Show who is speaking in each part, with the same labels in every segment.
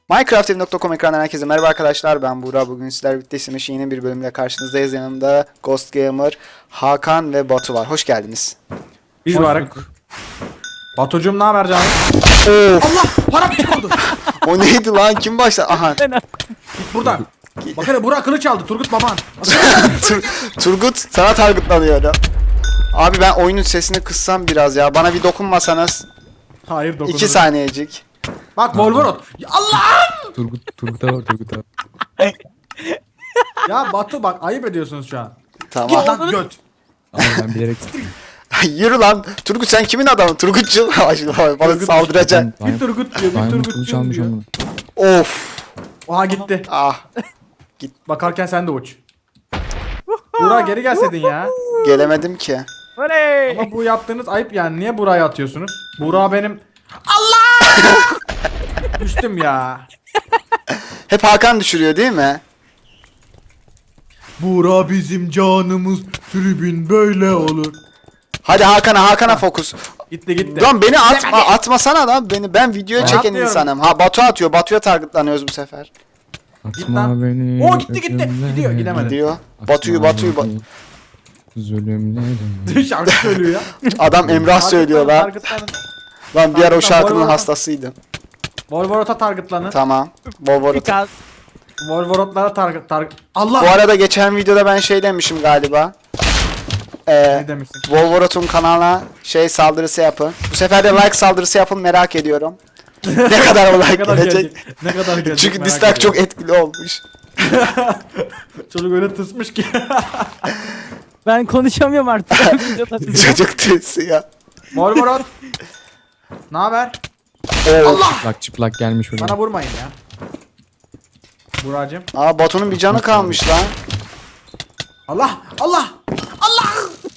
Speaker 1: Minecraft.com ekranından herkese merhaba arkadaşlar, ben Buğra. Bugün sizlerle birlikte Sim'in yeni bir bölümle karşınızdayız. Yanımda Ghost Gamer, Hakan ve Batu var. Hoş geldiniz.
Speaker 2: Biz varık. Batucuğum ne haber canım?
Speaker 1: Of,
Speaker 2: Allah para bir oldu.
Speaker 1: o neydi lan? Kim başladı? Aha.
Speaker 2: Git buradan. Bak hele Burak kılıç aldı Turgut baban.
Speaker 1: Turgut sana targetlanıyor. Abi ben oyunun sesini kıssam biraz ya. Bana bir dokunmasanız.
Speaker 2: Hayır dokunurum.
Speaker 1: 2 saniyecik.
Speaker 2: Bak Volvorot. Allah'ım.
Speaker 3: Turgut'a var Turgut'a.
Speaker 2: Ya Batu bak ayıp ediyorsunuz şu an.
Speaker 1: Tamam.
Speaker 2: Git lan göt.
Speaker 3: Ama ben bilerek
Speaker 1: Yürü lan. Turgut sen kimin adamı? Turgutçu. Bana saldıracak.
Speaker 2: Bir Turgut diyor, bir
Speaker 3: Diamond
Speaker 2: Turgut
Speaker 3: kılıç
Speaker 2: diyor.
Speaker 3: almış ama.
Speaker 1: Of.
Speaker 2: Aha gitti.
Speaker 1: Ah.
Speaker 2: Bakarken sen de uç. Burak geri gelseydin ya.
Speaker 1: Gelemedim ki.
Speaker 2: Ama bu yaptığınız ayıp yani. Niye Burak'ı atıyorsunuz? Burak benim... Allah! Düştüm ya.
Speaker 1: Hep Hakan düşürüyor değil mi?
Speaker 2: Burak bizim canımız. Tribün böyle olur.
Speaker 1: Hadi Hakan'a fokus.
Speaker 2: Gitti gitti.
Speaker 1: Lan beni atmasana lan beni. Ben videoya
Speaker 2: Ben
Speaker 1: çeken
Speaker 2: atmıyorum.
Speaker 1: insanım. Ha Batu atıyor. Batu'ya targetlanıyoruz bu sefer.
Speaker 3: Atma
Speaker 2: lan.
Speaker 3: beni.
Speaker 2: Oo, gitti.
Speaker 3: ölümlere.
Speaker 2: Gidiyor, gidemedi.
Speaker 1: Diyor.
Speaker 3: Atma
Speaker 1: Batu'yu
Speaker 3: beni zulümlere.
Speaker 2: Şarkı söylüyor ya.
Speaker 1: Adam Emrah söylüyor lan.
Speaker 2: Targetlanın.
Speaker 1: Lan bir ara o şarkının
Speaker 2: Volvorot'a.
Speaker 1: hastasıydım.
Speaker 2: Volvorot'a targetlanın.
Speaker 1: Tamam. Volvorot.
Speaker 2: Volvorot'lara target. Allah!
Speaker 1: Bu arada geçen videoda ben şey demişim galiba.
Speaker 2: Ne demişsin?
Speaker 1: Volvorot'un kanalına saldırısı yapın. Bu sefer de like saldırısı yapın, merak ediyorum. Ne kadar o like gelecek.
Speaker 2: Ne kadar gelecek?
Speaker 1: Çünkü
Speaker 2: merak
Speaker 1: dislike çok
Speaker 2: ediyorum.
Speaker 1: etkili olmuş.
Speaker 2: Çocuk öyle tısmış ki.
Speaker 4: Ben konuşamıyorum artık.
Speaker 1: Çocuk tüyüsü ya.
Speaker 2: Volvorot. Ne haber?
Speaker 1: Allah!
Speaker 3: Çıplak gelmiş oraya.
Speaker 2: Bana vurmayın ya. Buracığım.
Speaker 1: Aa Batu'nun bir canı kalmış lan.
Speaker 2: Allah! Allah! Allah!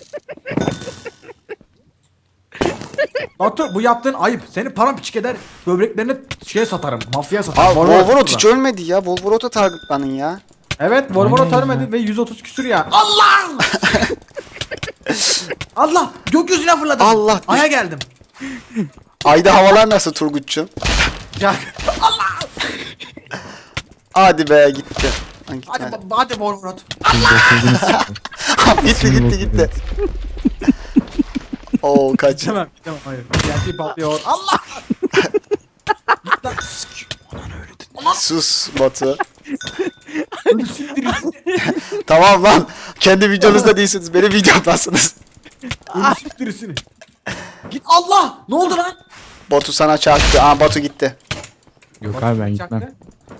Speaker 2: Batu bu yaptığın ayıp. Seni paramparça eder. Böbreklerini satarım. Mafyaya satarım.
Speaker 1: Abi Volvorot hiç ölmedi ya. Volvorot'a targetlanın ya.
Speaker 2: Evet, Volvorot
Speaker 3: Aynen
Speaker 2: ölmedi ve 130 küsür ya. Allah! Allah! Gökyüzüne fırladım.
Speaker 1: Allah!
Speaker 2: Aya geldim.
Speaker 1: Ayda havalar nasıl Turgut'cum?
Speaker 2: Ya.
Speaker 1: Hadi be gitti. Ha,
Speaker 2: Hadi
Speaker 1: gitmedi.
Speaker 2: hadi Volvorot.
Speaker 1: gitti. Oo kaç.
Speaker 2: Gidemem, hayır. Gerçeği patlıyor. Allah! Git lan.
Speaker 1: Sus Batu. Tamam lan. Kendi videonuzda değilsiniz. Benim videomdasınız.
Speaker 2: Siktirisini. Git Allah! Ne oldu lan?
Speaker 1: Batu sana çarptı. Aa Batu gitti.
Speaker 3: Yok abi ben gitmem.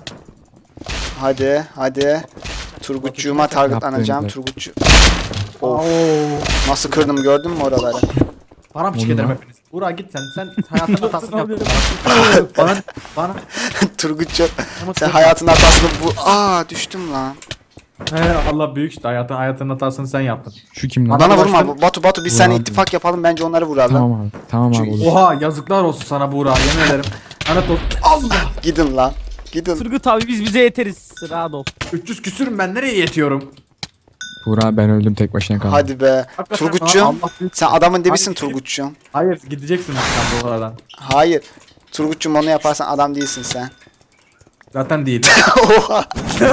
Speaker 1: Hadi. Turgutçuğuma targetlanacağım.
Speaker 3: Yaptın.
Speaker 1: Turgutçu.
Speaker 2: Oo.
Speaker 1: Nasıl kırdım gördün mü oraları?
Speaker 2: Paramparça
Speaker 3: Oğlum
Speaker 2: ederim
Speaker 3: lan.
Speaker 2: hepiniz. Burak git sen hayatının hatasını yaptın. bana.
Speaker 1: Turgutçu sen hayatın hatasını düştüm lan.
Speaker 2: He Allah büyük işte hayatının hatasını sen yaptın.
Speaker 3: Şu kim lan?
Speaker 1: Bana
Speaker 2: bulaştın.
Speaker 1: vurma Batu biz seninle
Speaker 3: Ulan.
Speaker 1: ittifak yapalım, bence onları vuralım.
Speaker 3: Tamam abi. Tamam abi
Speaker 1: Çünkü-
Speaker 3: olur.
Speaker 2: Oha yazıklar olsun sana Buğra yemin ederim. Lanet olsun. Allah!
Speaker 1: Gidin lan. Gidin.
Speaker 4: Turgut abi biz bize yeteriz. Rahat ol.
Speaker 2: 300 küsürüm ben nereye yetiyorum?
Speaker 3: Buğra ben öldüm tek başına kaldım.
Speaker 1: Hadi be.
Speaker 2: Hakikaten
Speaker 1: Turgutçuğum
Speaker 2: Allah büyük.
Speaker 1: sen adamın dibisin
Speaker 2: Hadi.
Speaker 1: Turgutçuğum.
Speaker 2: Hayır gideceksin sen bu aradan.
Speaker 1: Hayır. Turgutçuğum onu yaparsan adam değilsin sen.
Speaker 2: Zaten değil.
Speaker 1: Oha.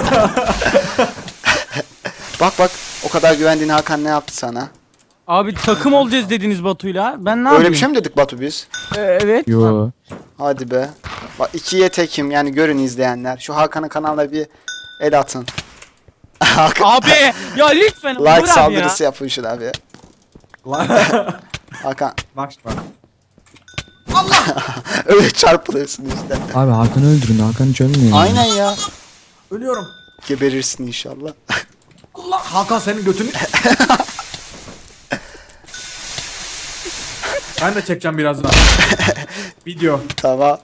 Speaker 1: Bak o kadar güvendiğin Hakan ne yaptı sana?
Speaker 4: Abi takım olacağız dediniz Batu'yla. Ben ne
Speaker 1: Öyle
Speaker 4: yapayım?
Speaker 1: bir şey mi dedik Batu biz?
Speaker 4: Evet.
Speaker 3: Yo.
Speaker 1: Hadi be. Bak ikiye tekim, yani görün izleyenler. Şu Hakan'ın kanalına bir el atın. Hakan,
Speaker 4: Abi ya lütfen
Speaker 1: like
Speaker 4: Uğur abi
Speaker 1: saldırısı
Speaker 4: ya.
Speaker 1: yapın şuna bir. Hakan
Speaker 2: Bak bak.
Speaker 1: öyle çarpılırsın işte.
Speaker 3: Abi Hakan'ı öldürün. Hakan hiç ölmüyor.
Speaker 1: Aynen ya.
Speaker 2: Ölüyorum.
Speaker 1: Geberirsin inşallah.
Speaker 2: Allah Hakan senin götünü. Ben de çekeceğim birazdan. Video.
Speaker 1: Tamam.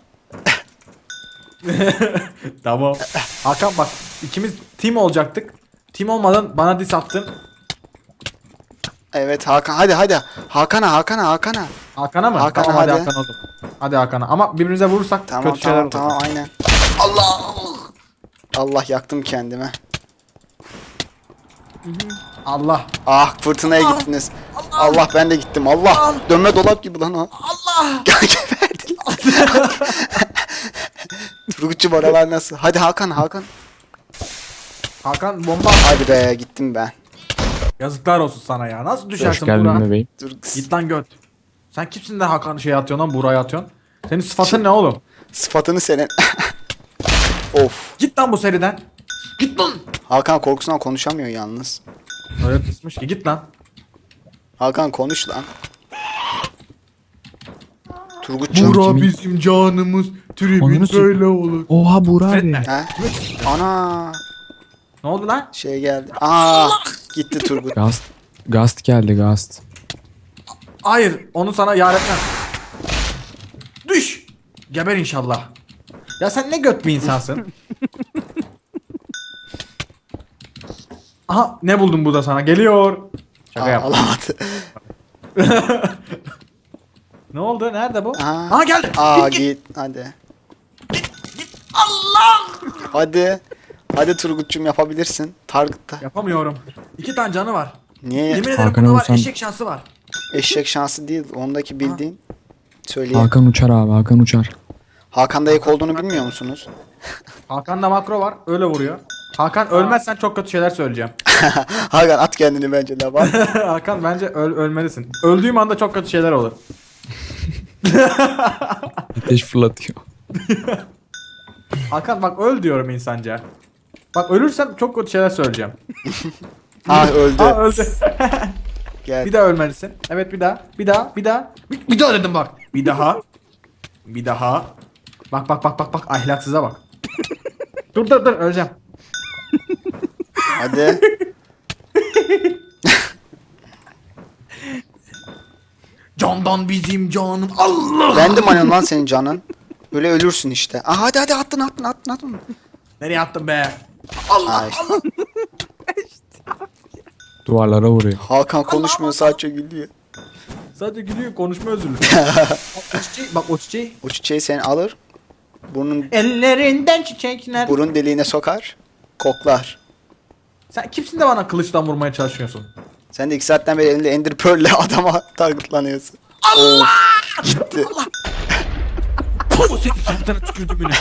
Speaker 2: Tamam. Hakan bak ikimiz team olacaktık. Team olmadan bana diss attın.
Speaker 1: Evet Hakan hadi. Hakan'a.
Speaker 2: Hakan'a mı?
Speaker 1: Hakan'a
Speaker 2: tamam hadi
Speaker 1: hadi.
Speaker 2: Hakan oldum. Hadi Hakan'a ama birbirimize vurursak kötü şeyler olur.
Speaker 1: Tamam aynen. Allah yaktım kendime.
Speaker 2: Allah.
Speaker 1: Ah fırtınaya gittiniz. Allah ben de gittim. Allah dönme dolap gibi lan o.
Speaker 2: Allah.
Speaker 1: Geberdi lan. Turgutçum oralar nasıl? Hadi Hakan.
Speaker 2: Hakan bomba.
Speaker 1: Hadi be gittim ben.
Speaker 2: Yazıklar olsun sana ya. Nasıl
Speaker 3: Hoş
Speaker 2: düşersin
Speaker 3: geldin
Speaker 2: Buğra?
Speaker 3: bebeğim.
Speaker 1: Dur.
Speaker 2: Git lan göt. Sen kimsin de Hakan'ı şey atıyorsun lan Buğra'ya atıyorsun? Senin sıfatın ne oğlum?
Speaker 1: Sıfatını senin. Of.
Speaker 2: Git lan bu seriden. Git lan.
Speaker 1: Hakan korkusundan konuşamıyor yalnız.
Speaker 2: Öyle kısmış ki git lan.
Speaker 1: Hakan konuş lan. Turgutçum.
Speaker 3: Kimin-
Speaker 2: bizim canımız.
Speaker 3: Ananı
Speaker 2: Tribün
Speaker 3: sür-
Speaker 2: böyle olur.
Speaker 3: Oha Buğra abi.
Speaker 2: Etme.
Speaker 1: He? Ana
Speaker 2: Ne oldu lan?
Speaker 1: şey geldi. Aa gitti Turgut.
Speaker 3: Gast geldi Gast.
Speaker 2: Hayır onu sana yar etmem. Düş. Geber inşallah. Ya sen ne göt bir insansın. Aha ne buldum burada sana geliyor. Şaka
Speaker 1: Aa,
Speaker 2: yap.
Speaker 1: alamadı.
Speaker 2: Ne oldu? Nerede bu?
Speaker 1: Aa.
Speaker 2: Aha geldi.
Speaker 1: Aa
Speaker 2: Git,
Speaker 1: git hadi.
Speaker 2: Allah!
Speaker 1: Hadi. Hadi Turgutçum yapabilirsin. Target'ta.
Speaker 2: Yapamıyorum. 2 tane canı var.
Speaker 1: Niye?
Speaker 2: Yemin ederim
Speaker 3: Hakan'a
Speaker 2: bunda var
Speaker 3: vursan-
Speaker 2: eşek şansı var.
Speaker 1: Eşek şansı değil. Ondaki bildiğin. Söyleyeyim.
Speaker 3: Hakan uçar abi Hakan uçar.
Speaker 1: Hakan'da ek olduğunu bilmiyor musunuz?
Speaker 2: Hakan'da makro var. Öyle vuruyor. Hakan ölmezsen çok kötü şeyler söyleyeceğim.
Speaker 1: Hakan at kendini bence de bak.
Speaker 2: Hakan bence ölmelisin. Öldüğüm anda çok kötü şeyler olur.
Speaker 3: Ateş fırlatıyor.
Speaker 2: Hakan bak öl diyorum insanca. Bak ölürsem çok kötü şeyler söyleyeceğim.
Speaker 1: Ha öldü.
Speaker 2: Aa öldü.
Speaker 1: Gel.
Speaker 2: Bir daha ölmelisin. Evet bir daha. Bir daha. Bir daha dedim bak. Bir daha. Bir daha. Bak. Ahlaksıza bak. dur öleceğim.
Speaker 1: Hadi.
Speaker 2: Candan bizim canım. Allah.
Speaker 1: Ben de manyon lan senin canın. Öyle ölürsün işte. Aa, hadi attın.
Speaker 2: Nereye attın be? Allah.
Speaker 1: Ay.
Speaker 3: Duvarlara vuruyor.
Speaker 1: Hakan konuşmuyor sadece gülüyor.
Speaker 2: Sadece gülüyor konuşma özürlü. o çiçeği, bak o çiçeği.
Speaker 1: O çiçeği sen alır.
Speaker 2: Ellerinden çiçekler.
Speaker 1: Burun deliğine sokar. Koklar.
Speaker 2: Sen kimsin de bana kılıçtan vurmaya çalışıyorsun?
Speaker 1: Sen de 2 saatten beri elinde Ender Pearl'le adama targetlanıyorsun. Allah! Gitti.
Speaker 2: Puh senin suratına tükürdüm bile.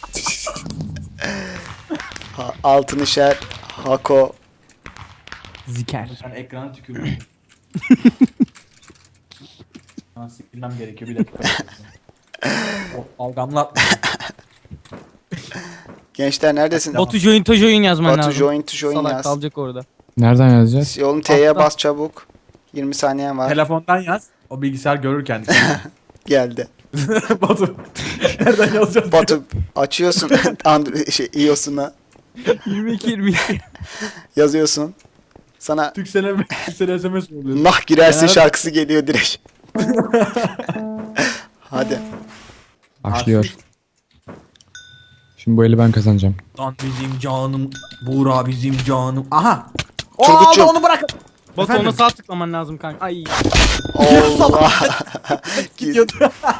Speaker 1: Altın işer. Hako.
Speaker 4: Ziker.
Speaker 2: Sen ekrana tükürdün. Sana sikilmem gerekiyor bir dakika. O algamla
Speaker 1: Gençler neredesin?
Speaker 4: Batu join to join yazman
Speaker 1: Batu
Speaker 4: lazım.
Speaker 1: join to join
Speaker 4: Salak
Speaker 1: yaz.
Speaker 4: kalacak orada.
Speaker 3: Nereden yazacağız?
Speaker 1: Oğlum T'ye
Speaker 2: Altta.
Speaker 1: bas çabuk. 20 saniyen var.
Speaker 2: telefondan yaz. O bilgisayar görür kendini.
Speaker 1: Geldi.
Speaker 2: Batu. Nereden yazacağız?
Speaker 1: Batu açıyorsun iOS'una
Speaker 4: 22.
Speaker 1: yazıyorsun. Sana
Speaker 2: Türkcell'e SMS oluyor.
Speaker 1: nah girersin
Speaker 2: Eğer-
Speaker 1: şarkısı geliyor direkt. Hadi.
Speaker 3: Başlıyor. Şimdi bu eli ben kazanacağım.
Speaker 2: Lan bizim canım. Buğra bizim canım. Aha. O
Speaker 1: Turgutcuğum.
Speaker 2: aldı onu bırakın.
Speaker 4: Batu
Speaker 2: Efendim?
Speaker 4: ona sağ tıklaman lazım kanka. Ay.
Speaker 1: Allah.
Speaker 2: Gidiyordu.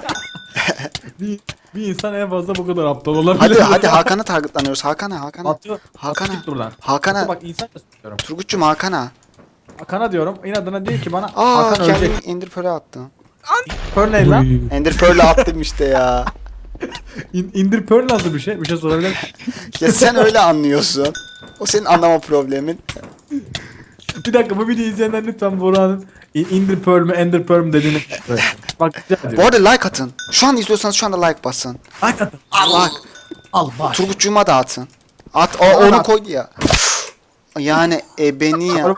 Speaker 2: bir insan en fazla bu kadar aptal olabilir.
Speaker 1: hadi Hakan'a targetlanıyoruz. Hakan'a.
Speaker 2: Atıyor.
Speaker 1: Hakan'a.
Speaker 2: Git buradan.
Speaker 1: Hakan'a.
Speaker 2: Bak insan da istiyorum.
Speaker 1: Turgut'cum Hakan'a.
Speaker 2: Hakan'a diyorum. İnadına diyor ki bana
Speaker 1: Aa
Speaker 2: Hakan ölecek.
Speaker 1: kendini Ender Pearl'e attı.
Speaker 2: Pearl ne lan?
Speaker 3: Uy.
Speaker 1: Ender Pearl'e attım işte ya.
Speaker 2: Indir Pearl nasıl bir şey? Bir şey sorabilir miyim?
Speaker 1: Ya sen öyle anlıyorsun. O senin anlama problemin.
Speaker 2: Bir dakika bu videoyu izleyenler lütfen Buğra'nın Indir Pearl mü Ender Pearl mü dediğini bak rica
Speaker 1: Bu
Speaker 2: ediyorum.
Speaker 1: arada like atın. Şu an izliyorsanız şu anda like basın.
Speaker 2: Hakikaten.
Speaker 1: Bak
Speaker 2: Al bak.
Speaker 1: Turgut'cuma da atın. At o,
Speaker 2: Bana
Speaker 1: onu
Speaker 2: at.
Speaker 1: koydu ya. Yani beni ya.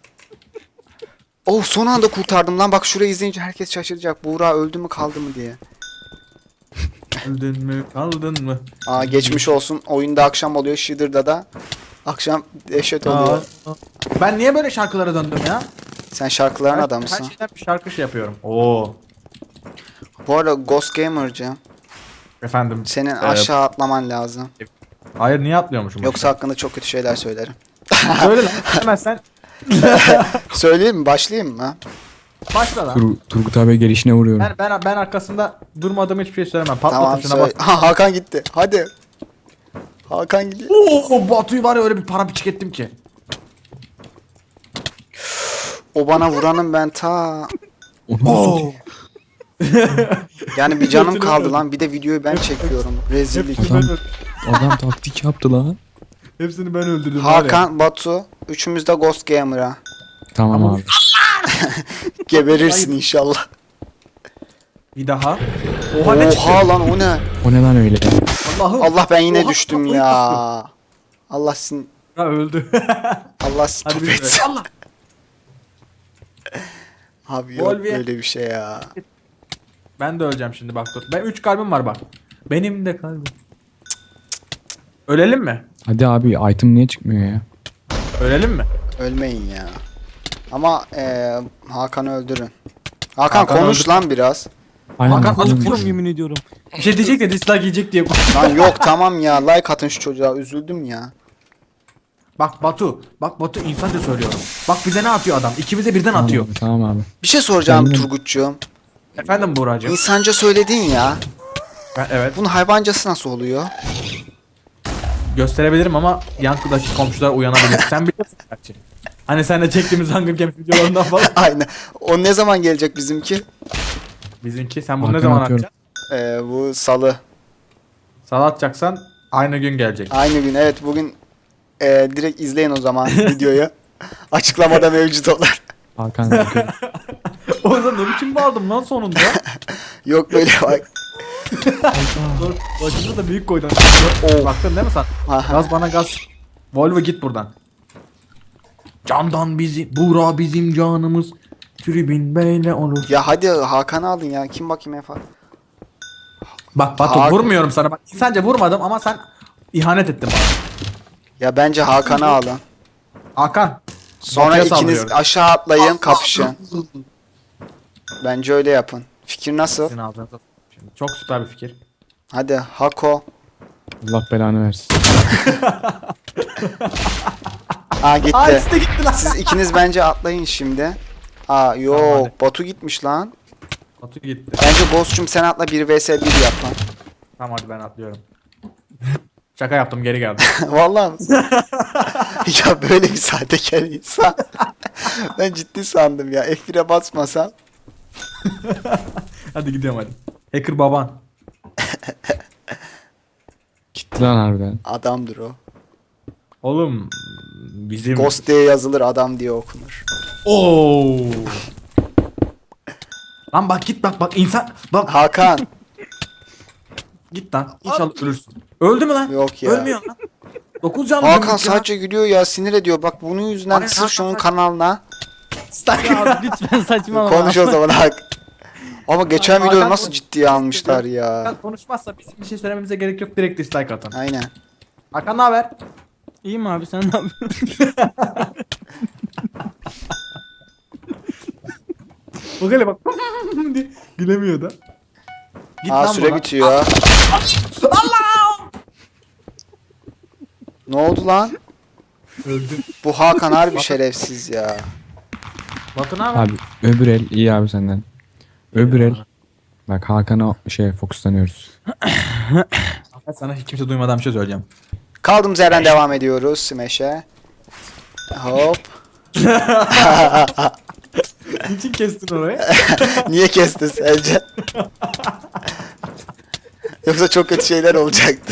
Speaker 1: Oh son anda kurtardım lan. Bak şurayı izleyince herkes şaşıracak. Buğra öldü mü kaldı mı diye.
Speaker 2: Öldün mü kaldın mı?
Speaker 1: Aa geçmiş olsun. Oyunda akşam oluyor. Shidder'da da akşam dehşet oluyor.
Speaker 2: Ben niye böyle şarkılara döndüm ya?
Speaker 1: Sen şarkıların
Speaker 2: Her
Speaker 1: adamısın.
Speaker 2: şeyden bir şarkı şey yapıyorum. Oo.
Speaker 1: Bu arada Ghost Gamer'cığım.
Speaker 2: Efendim.
Speaker 1: Senin aşağı atlaman lazım.
Speaker 2: Hayır niye atlıyormuşum?
Speaker 1: Yoksa hakkında çok kötü şeyler söylerim.
Speaker 2: Söyle lan. Demezsen
Speaker 1: Söyleyeyim mi? Başlayayım mı?
Speaker 2: başla lan.
Speaker 3: Turgut abi gelişine vuruyorum.
Speaker 2: Ben arkasında durmadığım hiçbir şey söylemem. Patla
Speaker 1: Tamam
Speaker 2: tuşuna
Speaker 1: söyle.
Speaker 2: bas.
Speaker 1: Ha, Hakan gitti. Hadi. Hakan gidiyor.
Speaker 2: Oo Batu'yu var ya öyle bir para biçik ettim ki.
Speaker 1: O bana vuranım ben ta.
Speaker 3: Onu nasıl
Speaker 2: Oo.
Speaker 1: Yani bir canım kaldı lan. Bir de videoyu ben çekiyorum. Rezillik.
Speaker 2: Hepsini ben
Speaker 3: Adam-
Speaker 2: öldürdüm.
Speaker 3: Adam taktik yaptı lan.
Speaker 2: Hepsini ben öldürdüm. var ya.
Speaker 1: Hakan, Batu. Üçümüz de Ghost Gamer'a.
Speaker 3: Tamam
Speaker 2: Ama-
Speaker 3: abi.
Speaker 1: Geberirsin inşallah.
Speaker 2: Bir daha. Oha ne çıktı?
Speaker 1: Oha lan o ne?
Speaker 3: O ne lan öyle?
Speaker 2: Allah'ım.
Speaker 1: Allah ben yine
Speaker 2: Oha,
Speaker 1: düştüm
Speaker 2: kafayı
Speaker 1: ya.
Speaker 2: bastım.
Speaker 1: Allah sin
Speaker 2: Ha öldü.
Speaker 1: Allah
Speaker 2: Hadi
Speaker 1: stop
Speaker 2: bir
Speaker 1: etsin.
Speaker 2: Allah.
Speaker 1: Abi yok
Speaker 2: Volvi.
Speaker 1: böyle bir şey ya.
Speaker 2: Ben de öleceğim şimdi bak dur. Ben 3 kalbim var bak. Benim de kalbim. Ölelim mi?
Speaker 3: Hadi abi item niye çıkmıyor ya?
Speaker 2: Ölelim mi?
Speaker 1: Ölmeyin ya. Ama Hakan'ı öldürün. Hakan,
Speaker 2: Hakan
Speaker 1: konuş
Speaker 2: öldür-
Speaker 1: lan biraz.
Speaker 3: Aynen
Speaker 2: Hakan,
Speaker 3: Hakan'ın
Speaker 2: azıcık
Speaker 3: düşüyor.
Speaker 2: vur.
Speaker 4: Yemin ediyorum.
Speaker 2: Bir şey diyecek de dislike yiyecek diye.
Speaker 1: Lan yok tamam ya, like atın şu çocuğa, üzüldüm ya.
Speaker 2: Bak Batu. Bak Batu insanca söylüyorum. Bak bize ne atıyor adam? İkimize birden
Speaker 3: Tamam
Speaker 2: atıyor.
Speaker 3: abi, tamam abi.
Speaker 1: Bir şey soracağım
Speaker 3: Benim-
Speaker 1: Turgut'cuğum.
Speaker 2: Efendim Buğra'cığım.
Speaker 1: İnsanca söyledin ya.
Speaker 2: Evet.
Speaker 1: Bunun hayvancası nasıl oluyor?
Speaker 2: Gösterebilirim ama yankıdaki komşular uyanabilir. Sen biliyorsun gerçi. Hani seninle çektiğimiz Hunger Games videolarından falan.
Speaker 1: Aynen. O ne zaman gelecek bizimki?
Speaker 2: Bizimki sen bunu ne
Speaker 3: Hakan
Speaker 2: zaman
Speaker 3: atıyorum.
Speaker 2: atacaksın?
Speaker 1: Bu salı.
Speaker 2: Salı atacaksan aynı gün gelecek.
Speaker 1: Aynı gün, evet bugün direkt izleyin o zaman videoyu. Açıklamada mevcut olur.
Speaker 3: Hakan bakıyor.
Speaker 2: O zaman ne biçim bağırdım lan sonunda?
Speaker 1: Yok böyle bak.
Speaker 2: Dur, başını da büyük koydun.
Speaker 1: Oo.
Speaker 2: Baktın değil mi sen?
Speaker 1: Aha.
Speaker 2: Gaz bana gaz. Volvo git buradan. Candan bizi, Buğra bizim canımız. Tribün beyle olur.
Speaker 1: Ya hadi Hakan'ı alın ya. Kim bakayım Efa?
Speaker 2: Bak Batu
Speaker 1: Hakan-
Speaker 2: vurmuyorum sana. Bak sence vurmadım ama sen ihanet ettin bana.
Speaker 1: Ya bence Hakan'ı alın.
Speaker 2: Hakan.
Speaker 1: Sonra
Speaker 2: Batu'ya
Speaker 1: ikiniz
Speaker 2: saldırıyorum.
Speaker 1: aşağı atlayın, kapışın. Bence öyle yapın. Fikir nasıl?
Speaker 2: Sizin ağzınıza. Şimdi çok süper bir fikir.
Speaker 1: Hadi Hako.
Speaker 3: Allah belanı versin.
Speaker 1: Aa gitti.
Speaker 2: Aa ikisi de gitti lan.
Speaker 1: Siz ikiniz bence atlayın şimdi. Aa
Speaker 2: Tamam,
Speaker 1: yok,
Speaker 2: hadi.
Speaker 1: Batu gitmiş lan.
Speaker 2: Batu gitti.
Speaker 1: Bence Ghost'cum sen atla, 1 vs 1 yap lan.
Speaker 2: Tamam hadi ben atlıyorum. Şaka yaptım geri geldim.
Speaker 1: Vallahi mi? Ya böyle bir sahtekar insan. Ben ciddi sandım ya. F1'e basmasam.
Speaker 2: Hadi gidiyorum hadi. Hacker baban.
Speaker 3: Gitti lan harbiden.
Speaker 1: Adamdır o.
Speaker 2: Oğlum bizim...
Speaker 1: Ghost diye yazılır, adam diye okunur.
Speaker 2: Oo. Lan bak git bak insan bak
Speaker 1: Hakan.
Speaker 2: git lan inşallah ölürsün. Öldü mü lan?
Speaker 1: Yok ya.
Speaker 2: Ölmüyor lan. 9 canlı
Speaker 1: Hakan
Speaker 2: dümdüz ya.
Speaker 1: sadece gülüyor ya, sinir ediyor. Bak bunun yüzünden
Speaker 2: Aynen,
Speaker 1: sırf şunun
Speaker 2: Hakan-
Speaker 1: kanalına.
Speaker 4: Ya lütfen saçmalama.
Speaker 1: Konuş o zaman Hak. Ama geçen
Speaker 2: Hakan
Speaker 1: videoyu nasıl
Speaker 2: konuş-
Speaker 1: ciddiye almışlar ya.
Speaker 2: Hakan konuşmazsa bizim bir şey söylememize gerek yok direkt dislike atın.
Speaker 1: Aynen.
Speaker 2: Hakan ne haber?
Speaker 4: İyiyim abi sen ne yapıyorsun?
Speaker 2: Bak hele bak. diye gülemiyor da. Git
Speaker 1: Aa
Speaker 2: lan
Speaker 1: süre
Speaker 2: buradan.
Speaker 1: bitiyor.
Speaker 2: Allah!
Speaker 1: Ne oldu lan?
Speaker 2: Öldü.
Speaker 1: Bu Hakan harbi şerefsiz ya.
Speaker 2: Batu ne haber?
Speaker 3: Abi öbür el iyi abi senden. Öbür el. Bak Hakan'a fokuslanıyoruz.
Speaker 2: Ben sana hiç kimse duymadan bir şey söyleyeceğim.
Speaker 1: Kaldığımız yerden devam ediyoruz Smash'e. Hop.
Speaker 2: Niçin kestin orayı?
Speaker 1: Niye kestin sence? Yoksa çok kötü şeyler olacaktı.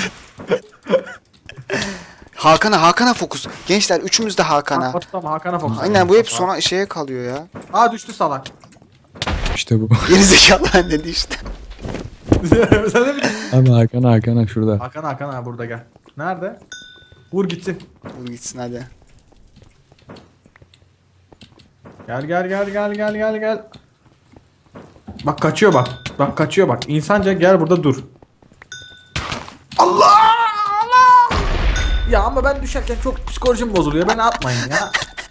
Speaker 1: Hakan'a fokus. Gençler üçümüz de Hakan'a.
Speaker 2: Batu tamam Hakan'a fokus.
Speaker 1: Aynen, bu hep sona şeye kalıyor ya.
Speaker 2: Aa düştü salak.
Speaker 3: İşte bu.
Speaker 1: Gerizekalı dedi işte.
Speaker 2: Sen de mi?
Speaker 3: Abi Hakan'a şurada.
Speaker 2: Hakan ha burada gel. Nerede? Vur gitsin.
Speaker 1: Dur gitsin hadi.
Speaker 2: Gel. Bak kaçıyor bak. Bak kaçıyor bak. İnsanca gel burada dur. Allah! Allah! Ya ama ben düşerken çok psikolojim bozuluyor. Beni atmayın ya.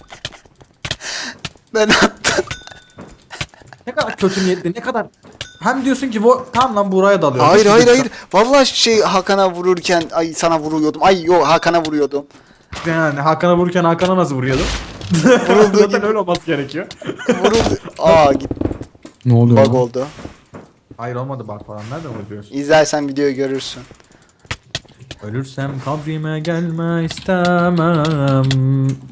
Speaker 1: Ben attım.
Speaker 2: Ne kadar kötü niyetli, ne kadar... Hem diyorsun ki tamam lan Buğra'ya dalıyor.
Speaker 1: Hayır. Vallahi Hakan'a vururken sana vuruyordum. Ay yo, Hakan'a vuruyordum.
Speaker 2: Yani Hakan'a vururken Hakan'a nasıl vuruyordun?
Speaker 1: Vurulduğu
Speaker 2: Zaten
Speaker 1: gibi
Speaker 2: öyle olması gerekiyor.
Speaker 1: vuruldu. Aa git,
Speaker 3: Ne oluyor
Speaker 1: bug
Speaker 3: lan?
Speaker 1: oldu.
Speaker 2: Hayır olmadı bak falan. Nereden vuruyorsun?
Speaker 1: İzlersen videoyu görürsün.
Speaker 2: Ölürsem kabrime gelme istemem.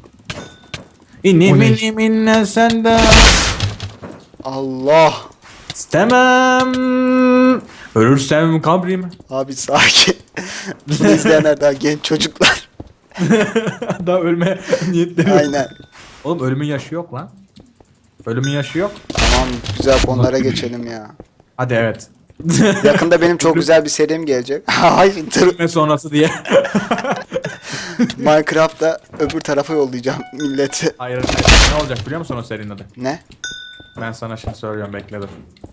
Speaker 2: İnim
Speaker 3: O ne?
Speaker 2: inim inne senden.
Speaker 1: Allah.
Speaker 2: İstemem. Ölürsem kabrime.
Speaker 1: Abi sakin. Bunu izleyenler daha genç çocuklar.
Speaker 2: Daha ölme niyetleri yok.
Speaker 1: Aynen.
Speaker 2: Oğlum ölümün yaşı yok lan. Ölümün yaşı yok.
Speaker 1: Tamam güzel konulara geçelim ya.
Speaker 2: Hadi evet.
Speaker 1: Yakında benim çok güzel bir serim gelecek. Hayır dur.
Speaker 2: Ölme sonrası diye.
Speaker 1: Minecraft'ta öbür tarafa yollayacağım milleti.
Speaker 2: Hayır. Ne olacak biliyor musun o serinin adı?
Speaker 1: Ne?
Speaker 2: Ben sana şimdi söylüyorum, bekle dur.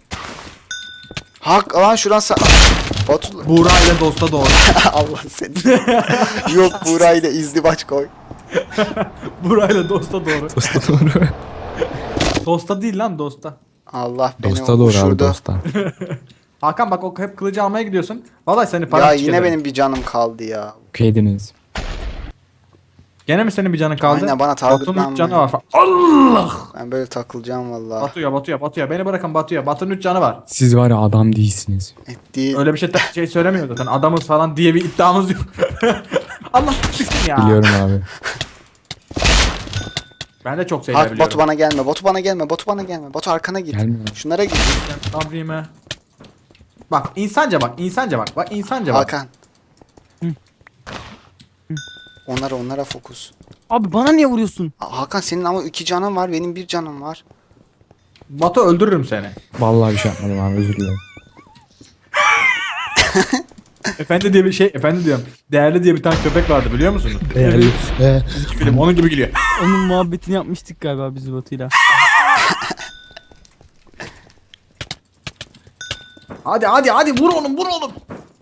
Speaker 1: Hak lan şuran Batu
Speaker 2: Buğra ile dosta doğru.
Speaker 1: Allah seni. Yok Buğra ile izdivaç koy.
Speaker 2: Buğra ile dosta doğru.
Speaker 3: Dosta doğru.
Speaker 2: Dosta değil lan, dosta.
Speaker 1: Allah beni
Speaker 3: Dosta doğru abi
Speaker 1: uçurdu.
Speaker 3: dosta.
Speaker 2: Hakan bak, o hep kılıcı almaya gidiyorsun. Vallahi seni
Speaker 1: Ya
Speaker 2: param
Speaker 1: yine benim bir canım kaldı ya.
Speaker 3: Okeydiniz.
Speaker 2: Gene mi senin bir canın kaldı?
Speaker 1: Aynen, bana
Speaker 2: Batu'nun
Speaker 1: targetlanma
Speaker 2: 3 canı
Speaker 1: ya.
Speaker 2: var falan. Allah!
Speaker 1: Ben böyle takılacağım vallahi.
Speaker 2: Batu'ya. Beni bırakın Batu'ya. Batu'nun 3 canı var.
Speaker 3: Siz var ya adam değilsiniz.
Speaker 1: Değil.
Speaker 2: Öyle bir şey söylemiyor zaten. Adamız falan diye bir iddiamız yok. Allah çıksın ya.
Speaker 3: Biliyorum abi.
Speaker 2: Ben de çok şeyler
Speaker 1: Hak
Speaker 2: biliyorum.
Speaker 1: Batu bana gelme. Batu bana gelme. Batu bana gelme. Batu arkana git.
Speaker 3: Gelmiyor.
Speaker 1: Şunlara git.
Speaker 2: Sabrime. Bak insanca bak. Bak insanca bak.
Speaker 1: Hakan. Onlara fokus.
Speaker 4: Abi bana niye vuruyorsun?
Speaker 1: Hakan senin ama 2 canın var. Benim 1 canım var.
Speaker 2: Batu öldürürüm seni.
Speaker 3: Vallahi bir şey yapmadım abi, özür dilerim.
Speaker 2: Efendi diye bir şey, efendi diyorum. Değerli diye bir tane köpek vardı, biliyor musunuz? Çizgi film onun gibi gülüyor.
Speaker 4: Onun muhabbetini yapmıştık galiba biz Batu'yla.
Speaker 2: Hadi vur oğlum.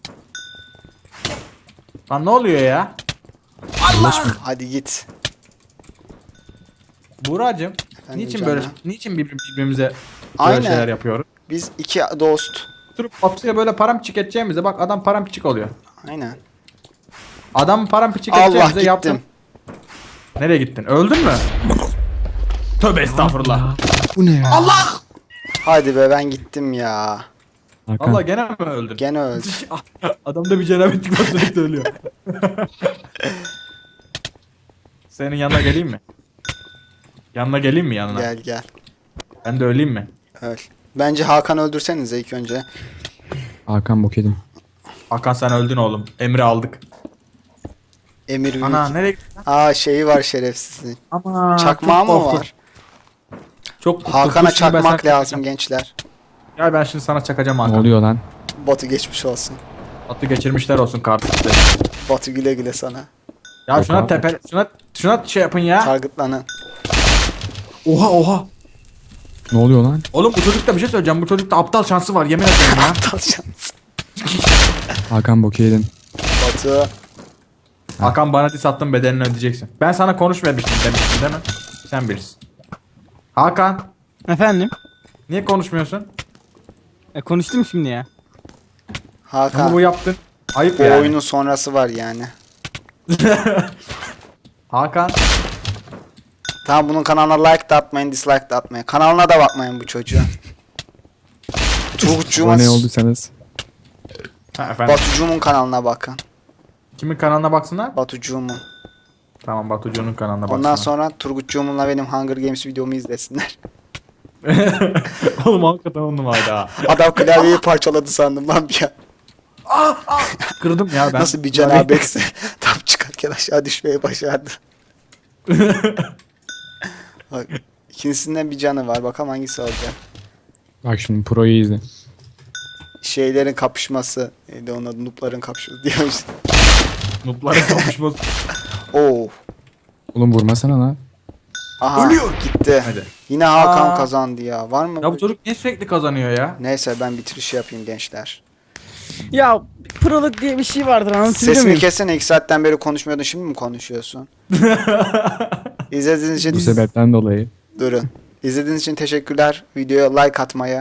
Speaker 2: Lan ne oluyor ya?
Speaker 1: Hadi git.
Speaker 2: Buğracığım,
Speaker 1: Efendim
Speaker 2: niçin birbirimize böyle
Speaker 1: Aynen.
Speaker 2: şeyler yapıyoruz?
Speaker 1: Biz 2 dost.
Speaker 2: Durup Batu'ya böyle paramparçık edeceğimize bak, adam paramparçık oluyor.
Speaker 1: Aynen.
Speaker 2: Adam paramparçık
Speaker 1: Allah
Speaker 2: edeceğimize
Speaker 1: gittim.
Speaker 2: yaptım. Nereye gittin? Öldün mü? Tövbe estağfurullah.
Speaker 3: Bu ne ya?
Speaker 2: Allah!
Speaker 1: Hadi be ben gittim ya.
Speaker 3: Hakan.
Speaker 2: Allah gene mi öldün?
Speaker 1: Gene öldü.
Speaker 2: Adamda bir cenabetlik var, sürekli ölüyor. Senin yanına geleyim mi? Yanına geleyim mi yanına?
Speaker 1: Gel.
Speaker 2: Ben de öleyim mi?
Speaker 1: Öl. Bence Hakan öldürsenize ilk önce.
Speaker 3: Hakan bok yedim.
Speaker 2: Hakan sen öldün oğlum. Emri aldık.
Speaker 1: Emir Büyük.
Speaker 2: Ana nereye gittin?
Speaker 1: Aa şeyi var şerefsizin.
Speaker 2: Ama
Speaker 1: Çakmağı mı var?
Speaker 2: Çok korktum.
Speaker 1: Hakan'a
Speaker 2: Dur şimdi ben
Speaker 1: çakmak
Speaker 2: sana
Speaker 1: lazım
Speaker 2: çakacağım.
Speaker 1: gençler.
Speaker 2: Ya ben şimdi sana çakacağım
Speaker 3: Ne
Speaker 2: Hakan.
Speaker 3: oluyor lan?
Speaker 1: Batu geçmiş olsun.
Speaker 2: Atı geçirmişler olsun kardeşler.
Speaker 1: Batu güle güle sana.
Speaker 2: Ya
Speaker 3: Yok
Speaker 2: şuna
Speaker 3: abi.
Speaker 2: şuna şey yapın ya.
Speaker 1: Targetlanın.
Speaker 2: Oha.
Speaker 3: Ne oluyor lan?
Speaker 2: Oğlum bu çocukta bir şey söyleyeceğim. Bu çocukta aptal şansı var, yemin ederim ya.
Speaker 1: Aptal şans.
Speaker 3: Hakan bok yedin.
Speaker 1: Batu.
Speaker 2: Hakan bana diss attın, bedelini ödeyeceksin. Ben sana konuşmamıştım demiştim değil mi? Sen bilirsin. Hakan
Speaker 4: Efendim?
Speaker 2: niye konuşmuyorsun?
Speaker 4: Konuştum şimdi ya.
Speaker 2: Ama
Speaker 1: Hakan.
Speaker 2: bu yaptın. Ayıp
Speaker 1: Bu
Speaker 2: yani.
Speaker 1: oyunun sonrası var yani.
Speaker 2: Hakan
Speaker 1: Tamam bunun kanalına like de atmayın, dislike de atmayın. Kanalına da bakmayın bu çocuğun. Turgutcuğuma,
Speaker 3: Abone olduysanız.
Speaker 2: ha, efendim.
Speaker 1: Batucuğumun kanalına bakın.
Speaker 2: Kimin kanalına baksınlar?
Speaker 1: Batucuğumun.
Speaker 2: Tamam, Batucuğ'un kanalına baksınlar.
Speaker 1: Ondan sonra Turgutcuğumunla benim Hunger Games videomu izlesinler.
Speaker 2: Oğlum hakikaten on numaraydı ha.
Speaker 1: Adam klavyeyi parçaladı sandım lan bir an.
Speaker 2: Kırdım ya ben.
Speaker 1: Nasıl bir cenabetse tam çıkarken aşağı düşmeyi başardı. Bak, ikincisinden bir canı var. Bakalım hangisi olacak.
Speaker 3: Bak şimdi proyu izle.
Speaker 1: Şeylerin kapışması. Neydi onun adı? Noob'ların kapışması diyormuş.
Speaker 2: Nupların kapışması.
Speaker 1: Oo.
Speaker 3: Oğlum vurmasana lan.
Speaker 1: Aha.
Speaker 2: Ölüyor.
Speaker 1: Gitti.
Speaker 2: Hadi.
Speaker 1: Yine Hakan
Speaker 2: Aa.
Speaker 1: kazandı ya. Var mı?
Speaker 2: Ya bu çocuk niye sürekli kazanıyor ya?
Speaker 1: Neyse ben bitiriş yapayım gençler.
Speaker 4: Ya prolog diye bir şey vardır, anlatabiliyor
Speaker 1: Sesini
Speaker 4: muyum?
Speaker 1: kessene, 2 saatten beri konuşmuyordun, şimdi mi konuşuyorsun? İzlediğiniz için
Speaker 3: Bu sebepten dolayı.
Speaker 1: durun. İzlediğiniz için teşekkürler. Videoya like atmayı,